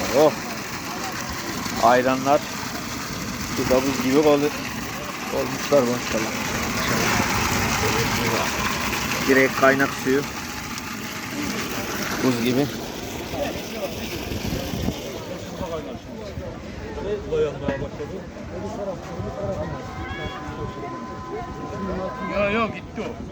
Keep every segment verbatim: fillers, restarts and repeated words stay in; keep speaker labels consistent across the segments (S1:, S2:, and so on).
S1: Oh. Ayranlar. Şu da buz gibi ol olmuşlar maşallah. Direkt kaynak suyu. Buz gibi.
S2: Yok yok gitti o.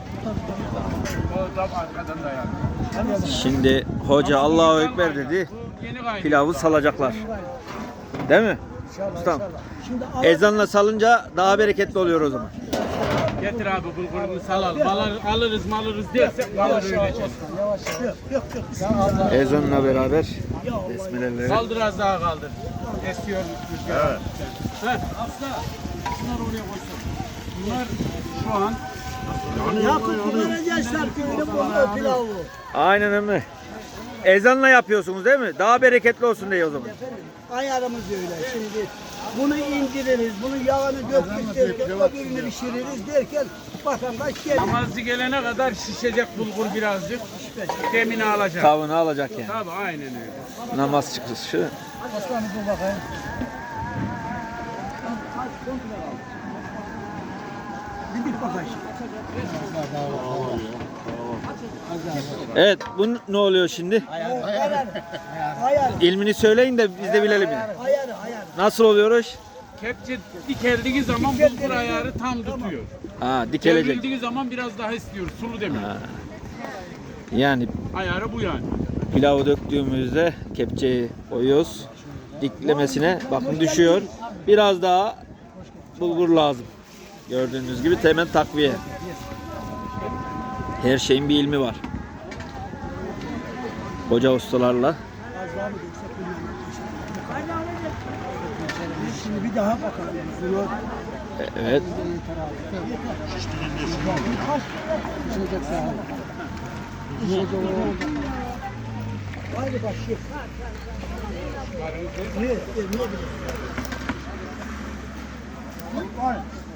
S2: O da arkadan dayandı.
S1: Şimdi hoca Allahu Ekber dedi. Pilavı salacaklar. Değil mi? Ustam. Ezanla salınca daha bereketli oluyor o zaman.
S2: Getir abi bulgurunu salalım. Alır, alırız malırız dersek malır öleceğiz.
S1: Ezanla beraber besmeleleri.
S2: Kaldır az daha kaldır. Esiyor rüzgar. Evet. Heh, asla. Şunları oraya koysun. Bunlar şu an
S3: Yakup Karacaşlar köyünün bulduğu pilavı.
S1: Aynen öyle. Ezanla yapıyorsunuz değil mi? Daha bereketli olsun diye o zaman.
S3: Ayarımız öyle. Şimdi bunu indiririz, bunun yağını dökürüz derken, öbürünü pişiririz derken vatandaş gelir.
S2: namazcı gelene kadar şişecek bulgur birazcık. Demini alacak.
S1: Tavını alacak yani.
S2: Tabii aynen öyle.
S1: Namaz çıkışı.
S3: Aslanı dur bakayım. Bir bit bakayım.
S1: Evet, bu ne oluyor şimdi?
S3: Ayar. Ayar.
S1: İlmini söyleyin de biz de bilelim yani.
S3: Ayar. Ayar.
S1: Nasıl oluyor iş?
S2: Kepçe dikeldiği zaman bulgur ayarı tam tutuyor.
S1: Ha, dikelecek.
S2: Devrildiği zaman biraz daha istiyor. Sulu demek.
S1: Ha. Yani
S2: Ayarı bu yani.
S1: pilavı döktüğümüzde kepçeyi koyuyoruz. Diklemesine bakın düşüyor. Biraz daha bulgur lazım. Gördüğünüz gibi hemen takviye. Her şeyin bir ilmi var. Hoca ustalarla.
S3: Şimdi bir daha bakalım. Bunu
S1: Evet.
S3: pişecek daha. Haydi bak şef. Evet, evet, ne bileyim. Var.